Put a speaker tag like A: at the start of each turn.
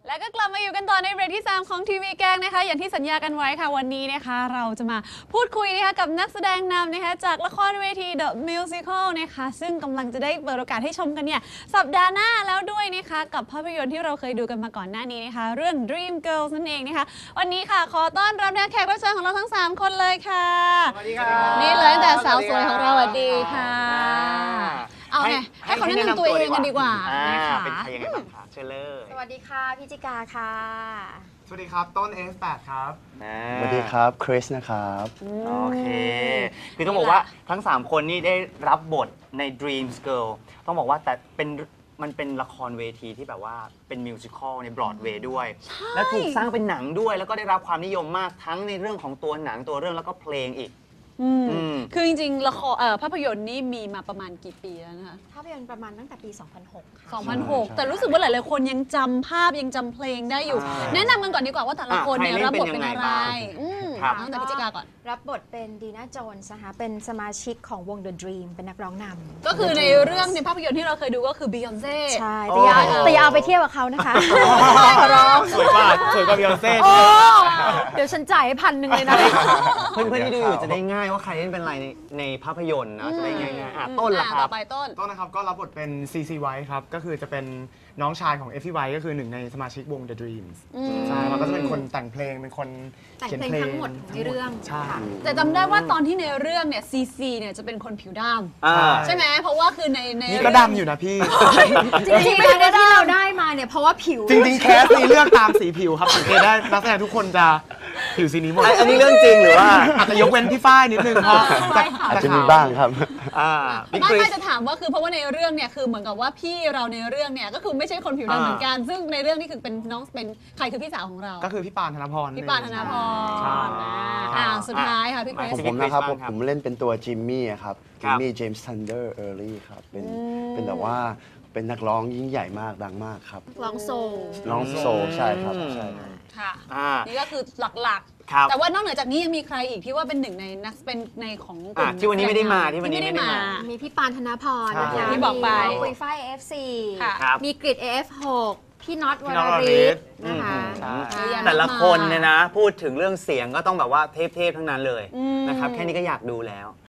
A: แล้วก็กลับมาอยู่กันต่อในเบรกที่ 3 ของทีวีแกงนะคะอย่างที่สัญญากันไว้ค่ะวันนี้นะคะเราจะมาพูดคุยนะคะกับนักแสดงนำนะคะจากละครเวที The Musical นะคะซึ่งกำลังจะได้เปิดโอกาสให้ชมกันเนี่ยสัปดาห์หน้าแล้วด้วยนะคะกับภาพยนตร์ที่เราเคยดูกันมาก่อนหน้านี้นะคะเรื่อง Dream Girls นั่นเองนะคะวันนี้ค่ะขอต้อนรับแขกรับเชิญของเราทั้ง3คนเลยค่ะ
B: สวัสดีครับ
A: นี่เลยตั้งแต่สาวสวยของเราสวัสดีค่ะเอาไงให้เขาแนะนำตัวเองกันดีกว่านะคะ
B: เป็นใครยังไงบ้างคะเชิญเลย
C: สวัสดีค่ะพี่จิกาค่ะ
D: สวัสดีครับต้น S8 ครับ
E: สวัสดีครับคริสนะครับ
B: โอเคคือต้องบอกว่าทั้ง3คนนี่ได้รับบทใน Dreams Girl ต้องบอกว่าแต่มันเป็นละครเวทีที่แบบว่าเป็นมิวสิควลในบรอดเวย์ด้วยและถูกสร้างเป็นหนังด้วยแล้วก็ได้รับความนิยมมากทั้งในเรื่องของตัวหนังตัวเรื่องแล้วก็เพลงอีก
A: คือจริงๆละครภาพยนตร์นี่มีมาประมาณกี่ปีแล้วนะคะ
C: ภาพยนตร์ประมาณตั้งแต่ปี 2006 ค่ะ
A: 2006 แต่รู้สึกว่าหลายๆคนยังจำภาพยังจำเพลงได้อยู่แนะนำกันก่อนดีกว่าว่าแต่ละคนเนี่ยรับบทเป็นอะไรตั้งแต่พิจิกาก่อน
C: รับบทเป็นดีน่าโจนส์นะคะเป็นสมาชิกของวง The Dream เป็นนักร้องนำ
A: ก็คือในเรื่องในภาพยนตร์ที่เราเคยดูก็คือ Beyonce
C: ใช่แต่อย่าเอาไปเทียบกับเขานะคะขอร้อง
D: สวยกว่าBeyonce
C: เดี๋ยวฉันจ่ายให้1,000เลยนะ
B: เพื่อนๆที่ดูอยู่จะได้ง่ายว่าใครเล่นเป็นอะไรในภาพยนตร์นะจะได้ง่ายๆต้นล่ะครับ
A: ต่อไปต้น
D: นะครับก็รับบทเป็น CC White ครับก็คือจะเป็นน้องชายของ FT White ก็คือหนึ่งในสมาชิกวง The Dreams ใช่แล้วก็จะเป็นคนแต่งเพลงเป็นคน
C: เขียนเพลงทั้งหมดในเรื่อง
D: ใช่
A: แต่จำได้ว่าตอนที่ในเรื่องเนี่ย CC เนี่ยจะเป็นคนผิวดำใช่ไหมเพราะว่าคือใน
D: นี่ก็ดำอยู่นะพี่
C: จริงๆที่เราได้มาเนี่ยเพราะว่าผิว
D: จริงๆแคสนี้เลือกตามสีผิวครับสังเกตได้นักแสดงทุกคนจะผิวสีนี้หมด
B: อันนี้เรื่องจริงหรือว่า
D: อาจจะยกเว้นพี่ฝ้ายนิดนึงเพราะ
E: อาจจะมีบ้างครับ
A: ไม่จะถามว่าคือเพราะว่าในเรื่องเนี่ยคือเหมือนกับว่าพี่เราในเรื่องเนี่ยก็คือไม่ใช่คนผิวดำเหมือนกันซึ่งในเรื่องนี้คือเป็นน้องเป็นใครคือพี่สาวของเรา
D: ก็คือพี่ปานธนพร
A: พี่ปานธนพรสุดท้ายค่ะพี่เกรซ
E: ผมนะครับผมเล่นเป็นตัวจิมมี่ครับจิมมี่เจมส์ทันเดอร์เออร์ลี่ครับเป็นแบบว่าเป็นนักร้องยิ่งใหญ่มากดังมากครับ
C: ร้องโซ
E: ใช่ครับใช่
A: ค่ะนี่ก็คือหลักๆแต่ว่านอกเหนือจากนี้ยังมีใครอีกที่ว่าเป็นหนึ่งในนักเป็นในของกลุ่ม
B: ที่วันนี้ไม่ได้มา
C: มีพี่ปานธนพรนะคะ
A: ที่บอกไป
C: คุยฝ้าย F4 มีกริด AF6 พี่น็อตวรริศนะคะ
B: แต่ละคนเนี่ยนะพูดถึงเรื่องเสียงก็ต้องแบบว่าเทพๆทั้งนั้นเลยนะครับแค่นี้ก็อยากดูแล้ว